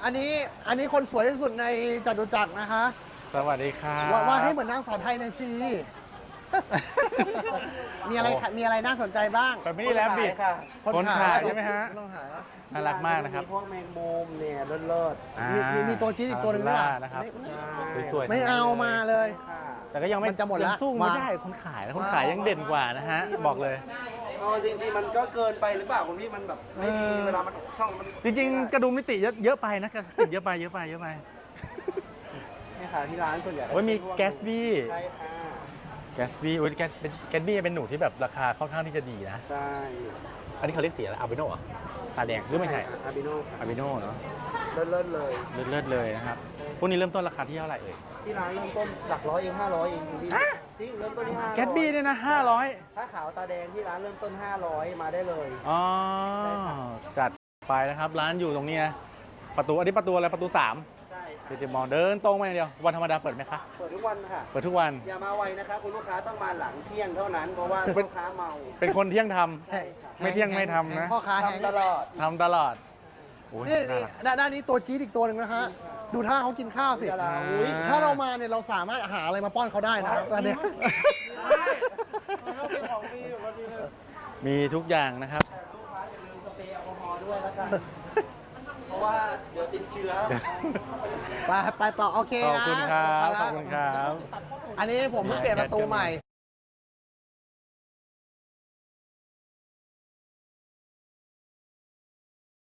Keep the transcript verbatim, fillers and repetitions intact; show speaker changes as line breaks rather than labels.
อันนี้อันนี้คนสวยที่สุดในจตุจักรนะคะ
สวัสดีครับ
ว่าว่าให้เหมือนนางสาวไทยในอยซีมีอะไรมีอะไรน่าสนใจบ้าง
คนไม่ได้แลบบิด
ค่ะ
คนขายใช่ไหมฮะ
คนขายแล้ว
น่ารักมากนะครับ
พวกแมงมุมเนี่ยเลิศ
อ่า
มีมีมีตัวจี๊ดอีกตัวหนึ่งด้วย
ล่า
ป่ะ
นะครับ
ๆใช่
สวยๆ
ไม่เอามาเลย
ค่ะ
แต่ก็ยังไม่
มันจะหมดละ
ยังสู้ไม่
มา
ได้คนขายนะคนขายยังเด่นกว่านะฮะ บอกเลย
เอาจริงๆมันก็เกินไปหรือเปล่าคุณพี่มันแบบไม่ดีเวลามันช่องมัน
จริงๆ กระดุมมิติเยอะเยอะไปนะกระติดเยอะไปเยอะไปเยอะไป
เนี่ยค่ะที่ร้านส่วนใหญ่
โอ้ยมีแกสบี้
ใช่ค่ะ
แกสบี้โอ้ยแกสแกสบี้เป็นหนูที่แบบราคาค่อนข้างที่จะดีนะ
ใช่
อันนี้เขาเรียกสีอะไรอาบิโน่เหรอตาแดงหรือไม่ใช่
อาบิโน่ค่ะ
อาบิโน่เนาะ
เลิศๆเลย
เลิศๆเลยนะครับพวกนี้เริ่มต้นราคาที่เท่าไหร่เอ่ย
ที่ร้านเริ่มต้นหลักร้อยเองห้าร้อยเองคุณพี่
ฮะ
จริงเริ่มต้นที่ห้าร้อย
แกสบี้เนี่ยนะห้าร้อย
ถ้าขาวตาแดงที่ร้านเริ่มต้นห้าร้อยมาได้เลย
อ๋อ
ใช่ครับ
จัดไปนะครับร้านอยู่ตรงนี้นะประตูอันนี้ประตูอะไรประตูสาม
ใช่ค่ะ
เดี๋ยวจะมองเดินตรงไปอย่างเดียววันธรรมดาเปิดไหมคะ
เปิดทุกวันค่ะ
เปิดทุกวัน
อย่ามาไวนะคะคุณลูกค้าต้องมาหลังเที่ยงเท่านั้นเพราะว่า
เป็น
ลูกค้าเมา
เป็นคนเที่ยงทำ
ใช่ค่ะ
ไม่เที่ยงไม่ทำนะ
พ่อค้าแห้ง
ทำตลอด
ทำตลอดโอ้ย
นี่
น่า
นี่
รัก
ด้านด้านนี้ตัวจี๊ดอีกตัวหนึ่งนะฮะ ดูท่าเขากินข้าวสิ
ดาราอุ้ย
ถ้าเรามาเนี่ยเราสามารถหาอะไรมาป้อนเขาได้นะครับตอนนี้
เราเป็นของฟรีแบบว่าดีเลย
มีทุกอย่างนะครับ
ลูกค้าอย่าลืมสเปรย์แอลกอฮอล์ด้วยแล้วกัน เพราะว่าเดี๋ยวติดเชื้อ
ไปไปต่อโอเค
ขอบ
นะ
คุณครับ
ไปละ
ขอบคุณครับ
อันนี้ผมเพิ่งเปลี่ยนประตูใหม่